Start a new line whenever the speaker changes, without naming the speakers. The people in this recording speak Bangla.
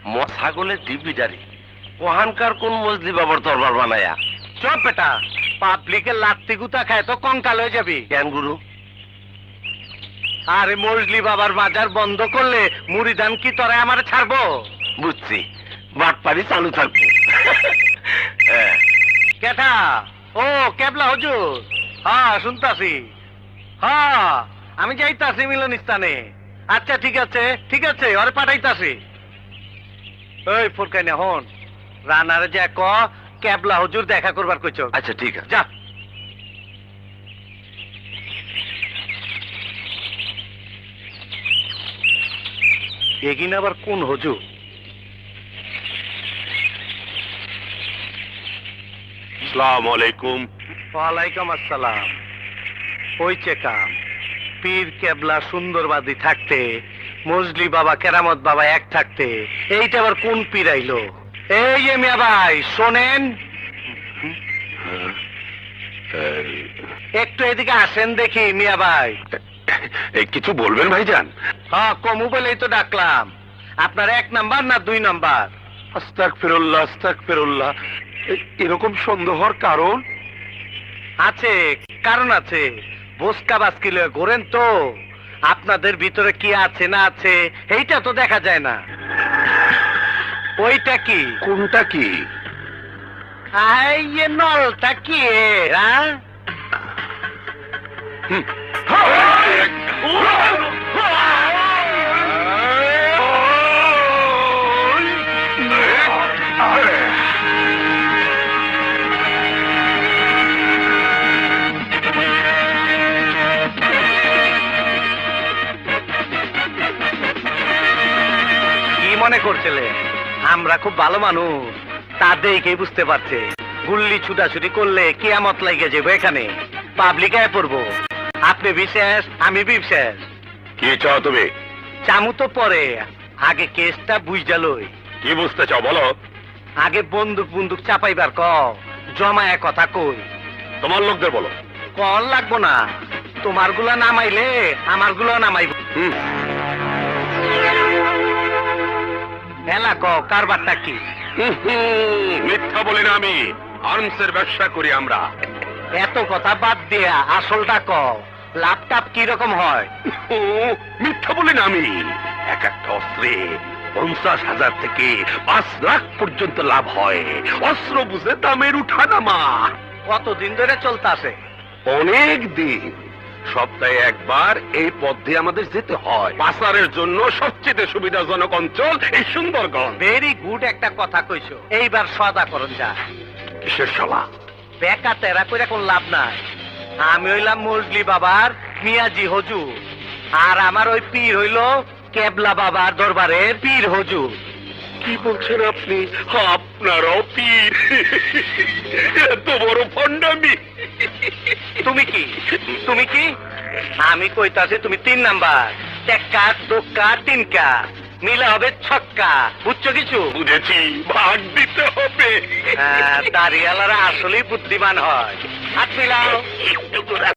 ছাগলের ডিবিটারি কোহানকার কোন মজলি বাবার দরবার বানায়া।
চপ বেটা, পাবলিকের লাত্তি গুতা খায় তো কঙ্কাল হয়ে যাবি।
জ্ঞান গুরু
আরে মজলি বাবার মাজার বন্ধ করলে মুড়িদান কি তোরা আমার ছাড়বো?
বুঝছি, বাটপাড়ি চালু থাকবো। হ্যাঁ।
কেটা? ও কেবলা হুজুর, হ্যাঁ শুনতাছি। হ্যাঁ আমি যাইতাছি মিলনস্থানে। আচ্ছা ঠিক আছে ঠিক আছে, ওরে পাঠাইতাছি। ওই ফুরকাইনা হন, রানারে যা ক কেবলা হুজুর দেখা করবার কইছ।
আচ্ছা ঠিক আছে।
যা। এগিন আবার কোন হুজুর?
আসসালামু আলাইকুম।
ওয়ালাইকুম আসসালাম। হইছে কাম। পীর কেবলা সুন্দরবাদী থাকতে, মজলি বাবা কেরামত বাবা এক থাকতে, এইটা আবার কোন পীর আইলো? এই যে মিয়া ভাই শোনেন, একটু এদিকে আসেন দেখি। মিয়া ভাই
কিছু বলবেন ভাইজান?
হ্যাঁ কমু বলেই তো ডাকলাম। আপনার 1 নাম্বার না 2 নাম্বার?
আস্তাগফিরুল্লাহ আস্তাগফিরুল্লাহ। এরকম সন্দেহর কারণ
আছে, কারণ আছে। বসকা বাস্কিলে ঘোরেন তো, আপনাদের ভিতরে কি আছে না আছে এইটা তো দেখা যায় না। ওইটা কি?
কোনটা কি?
এই নলটা কি? হ্যাঁ মনে করছিলে আমরা খুব ভালো মানুষ, তা দেখেই বুঝতে পারছে। গুল্লি ছুটাছুটি করলে কিয়ামত লাগে যাবো, এখানে পাবলিক আয় পড়বো। আপনি বিশেষ, আমি বিশেষ।
কি চাও তুমি?
চামু তো পরে, আগে কেসটা বুঝা লই।
কি বুঝতে চাও বলো?
আগে বন্দুক বন্দুক চাপাইবার ক, জমায়া কথা কই।
তোমার লোকদের বলো।
কল লাগবো না, তোমার গুলা নামাইলে আমার গুলো নামাইব। এলা ক কারবারটা কি?
মিথ্যা বলি না আমি, আর্মসের ব্যবসা করি আমরা।
এত কথা বাদ দিয়া আসলটা ক, লাভটাপ কি রকম হয়?
মিথ্যা বলি না আমি। এক একটা অস্ত্রে 50,000 থেকে 5 লাখ পর্যন্ত লাভ হয়। অস্ত্র বুঝে দামের উঠানামা।
কতদিন ধরে চলতেছে?
অনেক দিন। সপ্তাহে একবার এই পথ দিয়ে আমাদের যেতে হয়। পাচারের জন্য সবচেয়ে সুবিধাজনক অঞ্চল এই সুন্দরগঞ্জ।
ভেরি গুড একটা কথা কইছো। এইবার সদা করুন যা।
কিসের সভা?
বেকা তেরা করে কোন লাভ নাই। আমি হইলাম মজলি বাবার মিয়াজি হুজুর, আর আমার ওই পীর হইল কেবলা বাবার দরবারের পীর হুজুর।
কি বলছেন আপনি? আপনারও পীর? এত বড় ভণ্ডামি!
তুমি কি? তুমি কি? আমি কইতাছি তুমি 3 নাম্বার। টেক্কা দোক্কা তিনকা মিলে হবে ছক্কা। বুঝছো কিছু?
বুঝেছি, ভাগ দিতে হবে।
দাঁড়িয়ালারা আসলেই বুদ্ধিমান হয়। হাত মিলাও।